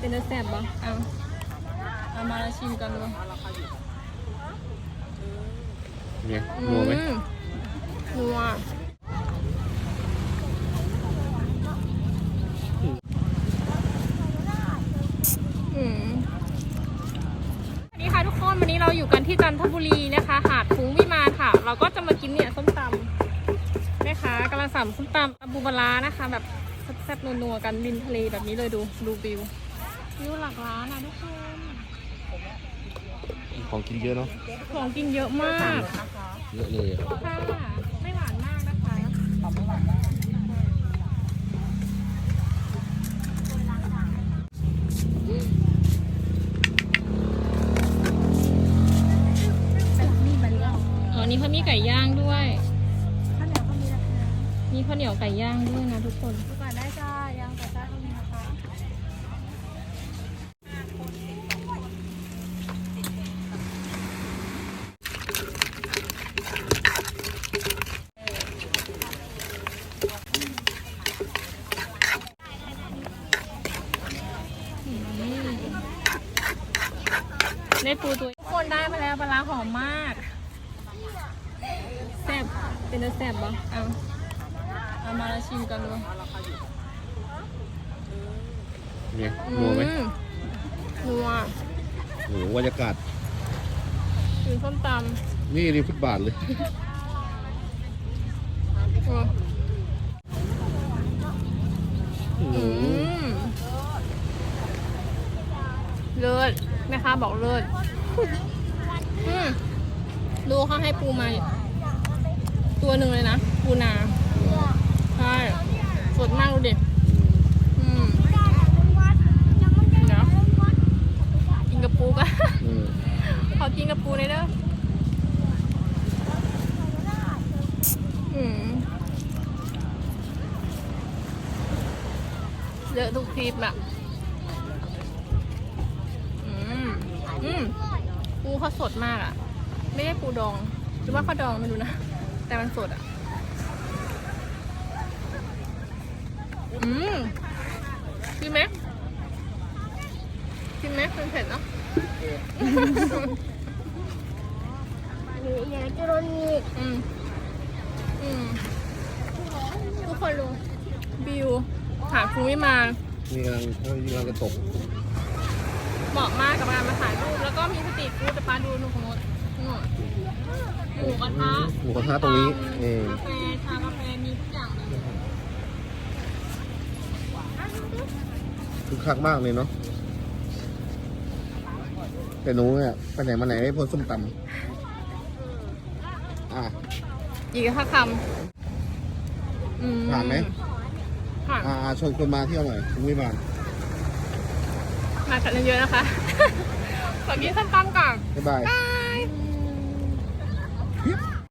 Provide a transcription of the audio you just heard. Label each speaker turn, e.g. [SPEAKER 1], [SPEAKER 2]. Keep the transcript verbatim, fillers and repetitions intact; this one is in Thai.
[SPEAKER 1] เป็นแซ่บปะเอาเอามาแล้วชิมกันเลย
[SPEAKER 2] เนี่ยนัวไหม
[SPEAKER 1] นัวอืมสวัสดีค่ะทุกคนวันนี้เราอยู่กันที่จันทบุรีนะคะหาดฟุ้งวิมานค่ะเราก็จะมากินเนี่ยส้มตำแม่ค้ากำลังสั่งส้มตำตำบูบารานะคะแบบแซ่บๆนัวๆกันริมทะเลแบบนี้เลยดูดูวิววิวหลักล้านนะทุกคน
[SPEAKER 2] ของกินเยอะเนาะ
[SPEAKER 1] ของกินเยอะมาก
[SPEAKER 2] เยอะเลย
[SPEAKER 1] ค่ะไม่หวานมากนะคะอ๋อนี่เขามีไก่ย่างด้วยข้าวเหนียวก็มีนะคะมีข้าวเหนียวไก่ย่างด้วยนะทุกคนทุกคนได้จ้าย่างไก่จ้าก็มีนะคะได้ปูตัวทุกคนได้มาแล้วปลาร้าหอมมากแซ่บเป็นแซ่บปะเอาเอามาแล้วชิมกันเลย
[SPEAKER 2] เนี่ยนัวไหม
[SPEAKER 1] นัว
[SPEAKER 2] โอ้โหบรรยากาศ
[SPEAKER 1] กินส้มต
[SPEAKER 2] ำนี่ริมฟุตบาทเลย
[SPEAKER 1] อืมเลิศแม่ค้าบอกเลิศอืมดูเขาให้ปูมาตัวหนึ่งเลยนะปูนาใช่สดมากดูดิอืมเดี๋ยวกินกับปูกันขอกินกับปูเลยเด้ออืมเยอะทุกคลิปอะอืมอืมปูเขาสดมากอะไม่ได้ปูดองหรือว่าเขาดองไม่รู้นะแต่มันสดอ่ะอืมกินไหมกินไหมเป็นเผ็ดเนาะอยากจะโดนมีอืมอืมทุกคนดูวิวหาดฟุ้งวิมาน
[SPEAKER 2] นี่กำลังเขากำลังจะตก
[SPEAKER 1] เหมาะมากกับการมาถ่ายรูปแล้วก็มีสตรีทฟู้ดจะพาดูนู่นของโน้นหมูกระทะ
[SPEAKER 2] หมูกระทะตรงนี้เออก
[SPEAKER 1] าแฟชากาแฟมีทุกอย่างเลย
[SPEAKER 2] คือคักมากเลยเนาะแต่หนูเนี่ยไปไหนมาไหนไม่พ้นส้มตำอ่ะ
[SPEAKER 1] อีกห้าคำ
[SPEAKER 2] ผ่านไหม
[SPEAKER 1] ผ่าน
[SPEAKER 2] อ่าชวนคนมาเที่ยวหน่อยคุณวิมาน
[SPEAKER 1] มากันเยอะๆนะคะขอกินส้มตำก่อน
[SPEAKER 2] บ๊ายบาย